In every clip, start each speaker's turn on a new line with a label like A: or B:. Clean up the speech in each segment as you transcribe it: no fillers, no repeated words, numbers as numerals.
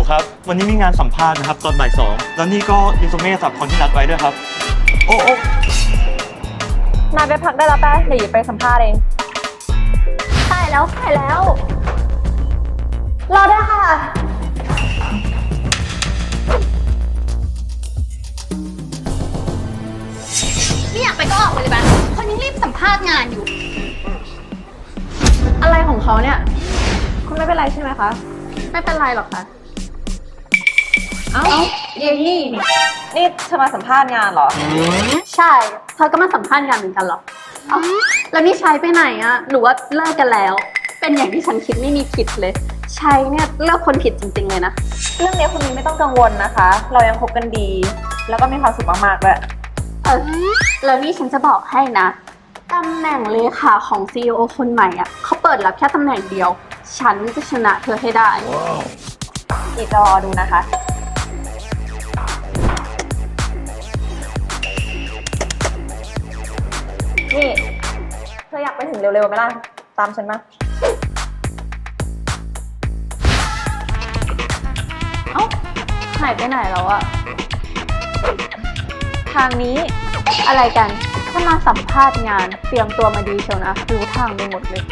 A: ครับ วันนี้มีงานสัมภาษณ์นะครับตอนบ่าย2แล้วนี่ก็รีซูเม่สำหรับคนที่นัดไว้ด้วยครับ โอ้
B: นายไปพักได้แล้วแป๊เดี๋ยวหยิบไปสัมภาษณ์เองใช่แล้วรอด้วยค่ะ
C: ไม่อยากไปก็ออกไปเลยบ้านคนยังรีบสัมภาษณ์งานอยู่
B: อะไรของเขาเนี่ยคุณไม่เป็นไรใช่ไหมคะ
C: ไม่เป็นไรหรอกค่ะ
B: เอ้าเยนี่นี่เธอมาสัมภาษณ์งานเหรอ
C: ใช่เธอก็มาสัมภาษณ์งานเหมือนกันหรอเอ้าแล้วนี่ใช้ไปไหนอะหรือว่าเลิกกันแล้ว เป็นอย่างที่ฉันคิดไม่มีผิดเลย ใช้เนี่ยเลือกคนผิดจริงๆเลยนะ
B: เรื่องนี้คุณมิ้นไม่ต้องกังวลนะคะ เรายังคบกันดี แล้วก็มีความสุขมากๆด้วย
C: แล้วนี่ฉันจะบอกให้นะตำแหน่งเลขาของ CEO คนใหม่อะเขาเปิดรับแค่ตำแหน่งเดียว ฉันจะชนะเธอให้ได้
B: อีกรอดูนะคะ นี่เธออยากไปถึงเร็วๆไหมล่ะ ตามฉันมา
C: เอ้าหายไปไหนแล้วอะ
B: ทางนี้
C: อะไรกัน ถ้ามาสัมภาษณ์งานเตรียมตัวมาดีเชียวนะ รู้ทางไปหมดเลย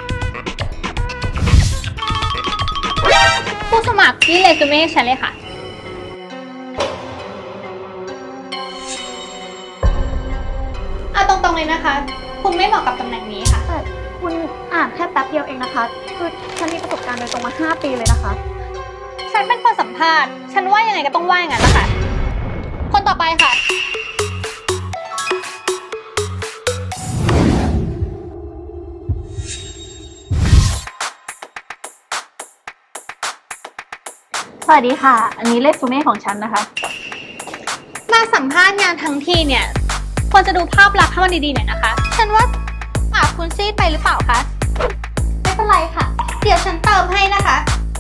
D: ผู้สมัครที่เรซูเม่ให้ฉันเลยค่ะเอาตรงๆเลยนะคะ คุณไม่เหมาะกับตำแหน่งนี้ค่ะ
C: แต่คุณอ่านแค่แป๊บเดียวเองนะคะ คือฉันมีประสบการณ์โดยตรงมา 5 ปีเลยนะคะ
D: ฉันเป็นคนสัมภาษณ์ ฉันว่ายังไงก็ต้องว่าอย่างนั้นแหละค่ะ คนต่อไปค่ะ
C: สวัสดีค่ะ อันนี้เรซูเม่ของฉันนะคะ
D: มาสัมภาษณ์งานทั้งทีเนี่ย ควรจะดูภาพลักษณ์ให้มันดีๆหน่อยนะคะ ฉันว่าปากคุณซีดไปหรือเปล่าคะ ไม่เป็นไรค่ะ เดี๋ยวฉันเติมให้นะคะ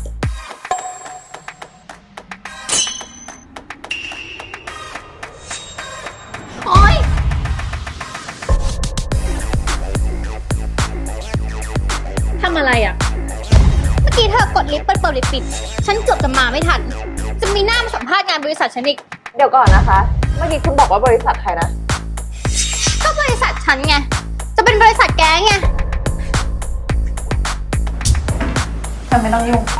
D: โอ๊ย
C: ทำอะไรอ่ะ
D: เมื่อกี้เธอกดลิฟต์เปิดลิฟต์ปิด ฉันเกือบจะมาไม่ทัน จะมีหน้ามาสัมภาษณ์งานบริษัทฉันอีก
B: เดี๋ยวก่อนนะคะ เมื่อกี้คุณบอกว่าบริษัทใครนะ
D: ก็บริษัทฉันไง จะเป็นบริษัทแกไง
B: ฉันไม่ต้องยุ่ง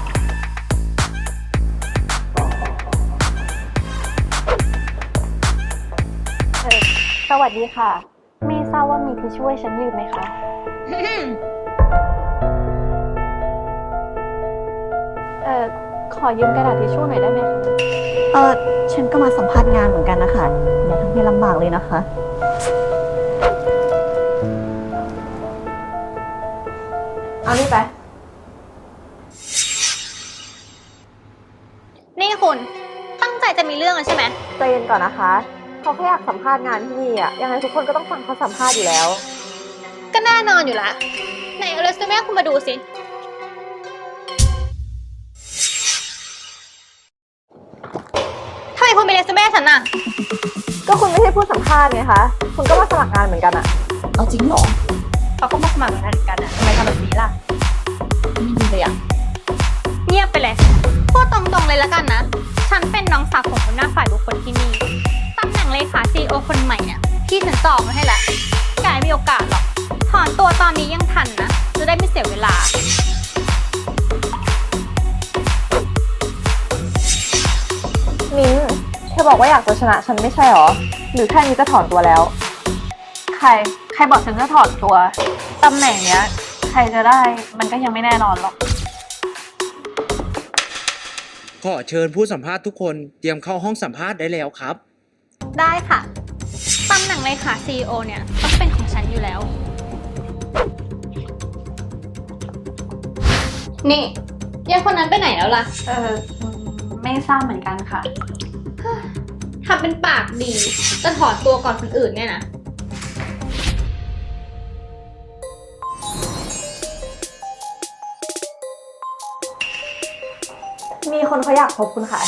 B: สวัสดีค่ะ ไม่ทราบว่ามีที่ช่วยฉันยืมไหมคะ ขอยืมกระดาษทิชชู่หน่อยได้ไหมคะ ฉันก็มาสัมภาษณ์งานเหมือนกันนะคะ อย่าทำให้ลำบากเลยนะคะ เอานี่ไป
D: นี่คุณ ตั้งใจจะมีเรื่องกันใช่ไหม
B: ใจเย็นก่อนนะคะ เขาแค่อยากสัมภาษณ์งานที่นี่อะยังไงทุกคนก็ต้องฟังเขาสัมภาษณ์อยู่แล้ว
D: ก็แน่นอนอยู่ละไหนเอาเรซูเม่คุณมาดูสิ ทำไมคุณเป็นเรซูเม่ฉันน่ะ
B: ก็คุณไม่ใช่ผู้สัมภาษณ์ไงคะ คุณก็มาสมัครงานเหมือนกันอะ
C: เอาจริงเหรอ
B: เขาก็มาสมัครงานเหมือนกันอะทำไมทำแบบนี้ล่ะ
C: ไม่ดีเลยอ่ะ
D: เงียบไปเลย พูดตรงๆเลยแล้วกันนะ ฉันเป็นน้องสาวของหัวหน้าฝ่ายบุคคลที่นี่ ตำแหน่งเลขา CEO คนใหม่เนี่ยพี่ฉันจองมาให้แล้วแกไม่มีโอกาสหรอก ถอนตัวตอนนี้ยังทันนะ จะได้ไม่เสียเวลา
B: มิ้นเธอบอกว่าอยากจะชนะฉันไม่ใช่หรอ หรือแค่นี้จะถอนตัวแล้ว ใครบอกฉันจะถอนตัว ตำแหน่งเนี้ย ใครจะได้มันก็ยังไม่แน่นอนหรอก
E: ขอเชิญผู้สัมภาษณ์ทุกคนเตรียมเข้าห้องสัมภาษณ์ได้แล้วครับ
D: ได้ค่ะ ตำแหน่งเลขา CEO เนี่ยต้องเป็นของฉันอยู่แล้ว นี่ยังคนนั้นไปไหนแล้วล่ะ
C: ไม่ทราบเหมือนกันค่ะ
D: ทำเป็นปากดี จะถอนตัวก่อนคนอื่นเนี่ยนะ
B: มีคนเขาอยากพบคุณค่ะ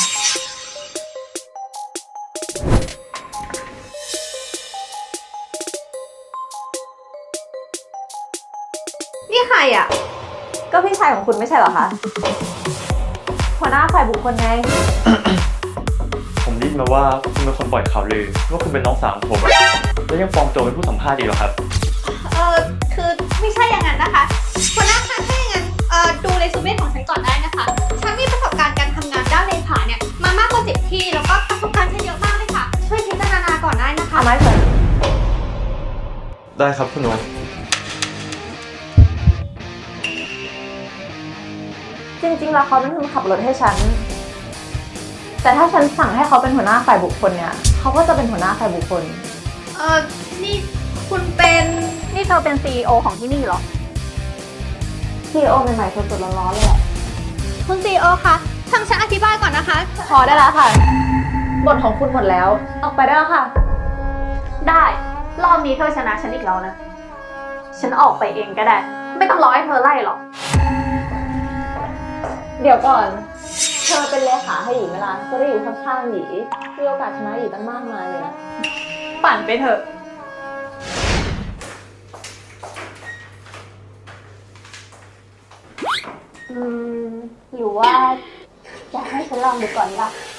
D: นี่ใครอ่ะ
B: ก็พี่ชายของคุณไม่ใช่เหรอคะหัวหน้าฝ่ายบุคคลไง
A: ผมได้ยินมาว่าคุณเป็นคนปล่อยข่าวลือว่าคุณเป็นน้องสาวของผม แล้วยังปลอมตัวเป็นผู้สัมภาษณ์อีกเหรอครับ
D: คือไม่ใช่อย่างนั้นนะคะหัวหน้าคะถ้าอย่างนั้นดูเรซูเม่ของฉันก่อนได้นะคะ ฉันมีประสบการณ์การทำงานด้านเลขาเนี่ยมามากกว่า10ที่แล้วก็ประสบการณ์ฉันเยอะมากเลยค่ะ ช่วยพิจารณาก่อนได้นะคะ
B: เอาไม้เถอะ
A: ได้ครับคุณโน
B: จริงๆแล้วเขาเป็นคนขับรถให้ฉัน แต่ถ้าฉันสั่งให้เขาเป็นหัวหน้าฝ่ายบุคคลเนี่ยเขาก็จะเป็นหัวหน้าฝ่ายบุคคล
D: นี่คุณเป็น
C: นี่เธอเป็น CEO ของที่นี่เหรอ
B: CEO ใหม่ๆสดๆร้อนๆเลยแหละ
D: คุณซีโอคะฟังฉันอธิบายก่อนนะคะ
B: พอได้แล้วค่ะ บทของคุณหมดแล้ว ออกไปได้แล้วค่ะ
C: ได้ รอบนี้เธอชนะฉันอีกแล้วนะ ฉันออกไปเองก็ได้ ไม่ต้องรอให้เธอไล่หรอก
B: เดี๋ยวก่อน เธอเป็นเลขาให้หยีไหมล่ะจะได้อยู่ข้างๆหยีมีโอกาสชนะหยีตั้งมากมายเลยนะ
C: ปั่นไปเถอะ
B: หรือว่าอยากให้ฉันลองดูก่อนล่ะ